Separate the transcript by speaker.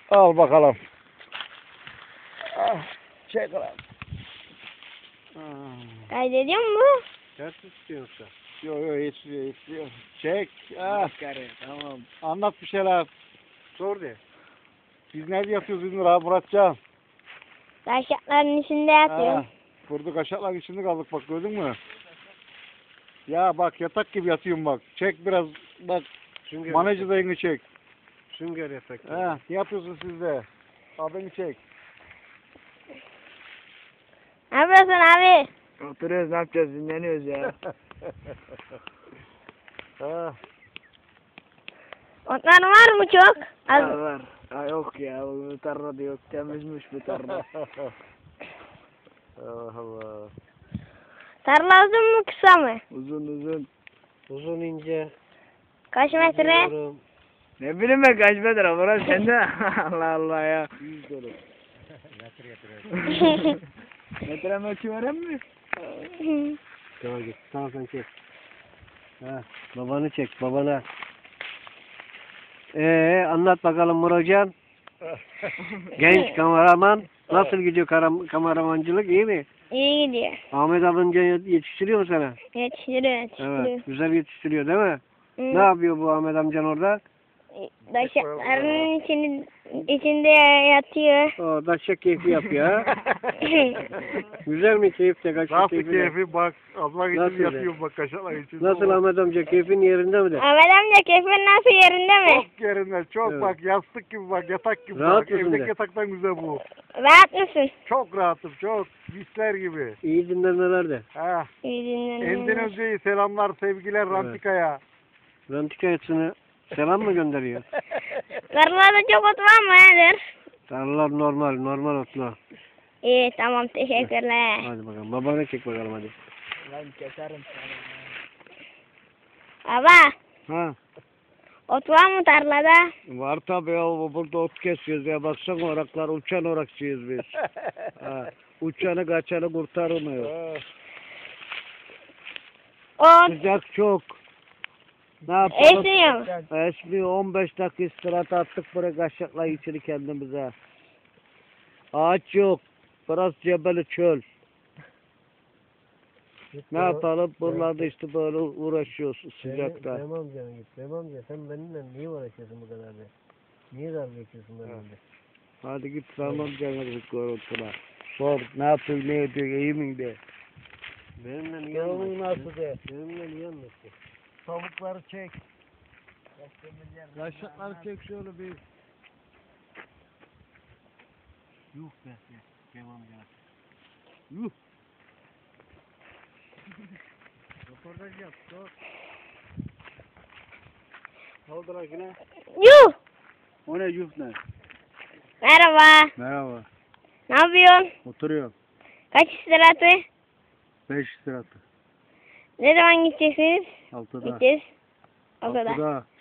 Speaker 1: Al bakalım. Ah, çek lan.
Speaker 2: Kaydediyor mu?
Speaker 3: Ters istiyorsa.
Speaker 1: Yo yo yetişiyor. Çek. Ah.
Speaker 3: Tamam.
Speaker 1: Anlat bir şeyler.
Speaker 3: Sor de.
Speaker 1: Biz nerede yatıyoruz İzmir abi Muratcan?
Speaker 2: Taşakların içinde yatıyorum.
Speaker 1: Ha, kurduk aşağılar içinde kaldık bak gördün mü? Ya bak yatak gibi yatıyorum bak. Çek biraz bak.
Speaker 3: Sünger
Speaker 1: Manacı dayını çek.
Speaker 3: Sünger yatak.
Speaker 1: Ha, ne yapıyorsun siz de? Abini çek.
Speaker 2: Ne yapıyorsun abi?
Speaker 4: Oturuyoruz, ne yapacağız, dinleniyoruz ya.
Speaker 1: Ha.
Speaker 2: Otlar var mı çok? Az.
Speaker 4: Var. Ha, yok ya, bu tarlada yok, temizmiş bu tarla.
Speaker 1: Allah Allah.
Speaker 2: Tarla uzun mu kısa mı?
Speaker 4: Uzun.
Speaker 3: Uzun ince.
Speaker 2: Kaç metre?
Speaker 3: Biliyorum.
Speaker 4: Ne bileyim ben kaç metre, burası sende. Allah Allah ya.
Speaker 3: 100 dolar.
Speaker 4: Metre ölçü veren mi?
Speaker 3: Tamam git. Tamam sen çek. Ha, babanı çek babana. Anlat bakalım Muratcan. Genç kameraman. Nasıl gidiyor kameramancılık, iyi mi?
Speaker 2: İyi gidiyor.
Speaker 3: Ahmet amca yetiştiriyor mu sana?
Speaker 2: Yetiştiriyor.
Speaker 3: Evet, güzel yetiştiriyor değil mi?
Speaker 2: Hı.
Speaker 3: Ne yapıyor bu Ahmet amcan orada?
Speaker 2: Taşakların içinde yatıyor.
Speaker 3: O daşak keyfi yapıyor ha. Güzel mi keyif de kaşak
Speaker 1: Nasıl
Speaker 3: keyfi de?
Speaker 1: keyfi bak. Abla
Speaker 3: Nasıl
Speaker 1: için
Speaker 3: ya?
Speaker 1: yatıyorum bak aşağılar için.
Speaker 3: Nasıl Ahmet amca, keyfin yerinde mi de?
Speaker 2: Ahmet amca keyfin nasıl yerinde mi?
Speaker 1: Çok yerinde çok
Speaker 3: Evet.
Speaker 1: bak yastık gibi bak yatak gibi
Speaker 3: Rahat
Speaker 1: bak.
Speaker 3: mısın
Speaker 1: Evdeki
Speaker 3: de?
Speaker 1: yataktan güzel bu.
Speaker 2: Rahat mısın?
Speaker 1: Çok rahatım çok. Misler gibi.
Speaker 3: İyi dinlenmeler de.
Speaker 1: Ha.
Speaker 2: İyi dinleniyorum.
Speaker 1: Endonezya'yı selamlar sevgiler
Speaker 3: Evet.
Speaker 1: Rantika'ya.
Speaker 3: Rantika etsine selam mı gönderiyor?
Speaker 2: Tarlada çok ot var mı nedir?
Speaker 3: Tarlalar normal otla.
Speaker 2: İyi tamam teşekkürler.
Speaker 3: Hadi bakalım, babanı çek bakalım hadi.
Speaker 4: Lan keserim
Speaker 2: Baba
Speaker 3: Ha.
Speaker 2: ot var mı tarlada?
Speaker 3: Var tabii ya, burada ot kesiyoruz ya, baksana oraklar, uçan orakçıyız biz. Ha. Uçanı kaçanı kurtarmıyor.
Speaker 2: Ot
Speaker 3: Sıcak çok. Ne yapalım?
Speaker 2: esniyor mu?
Speaker 3: Esmiyor, 15 dakika istirahat attık buraya kaşıkla içini kendimize. Ağaç yok. Burası cebeli çöl. Ne yapalım? Buralarda işte böyle uğraşıyoruz sıcakta.
Speaker 5: Tamam canım git. Tamam canım. Sen benimle niye uğraşıyorsun bu kadar be? Niye dalga geçiyorsun benimle?
Speaker 3: Hadi git tamam canım görüntüler. Sor ne yapıyor ne ediyor iyi mi de.
Speaker 5: Benimle niye
Speaker 3: Yolun
Speaker 5: anlaşıyorsun?
Speaker 3: nasıl de.
Speaker 5: Benimle niye anlaşıyorsun?
Speaker 3: Tavukları çek. Kaşıkları çek şöyle bir.
Speaker 5: Yuh be. Tamam ya.
Speaker 3: Yuh.
Speaker 5: Röportaj yap. Sor.
Speaker 3: Kaldır yine.
Speaker 2: Yuh!
Speaker 3: O ne yuh ne?
Speaker 2: Merhaba.
Speaker 3: Merhaba.
Speaker 2: Ne yapıyorsun?
Speaker 3: Oturuyorum.
Speaker 2: Kaç istirahatı?
Speaker 3: 5 lira.
Speaker 2: Ne zaman gideceksiniz?
Speaker 3: 6'da.
Speaker 2: Gideceğiz. O kadar.
Speaker 3: 6'da.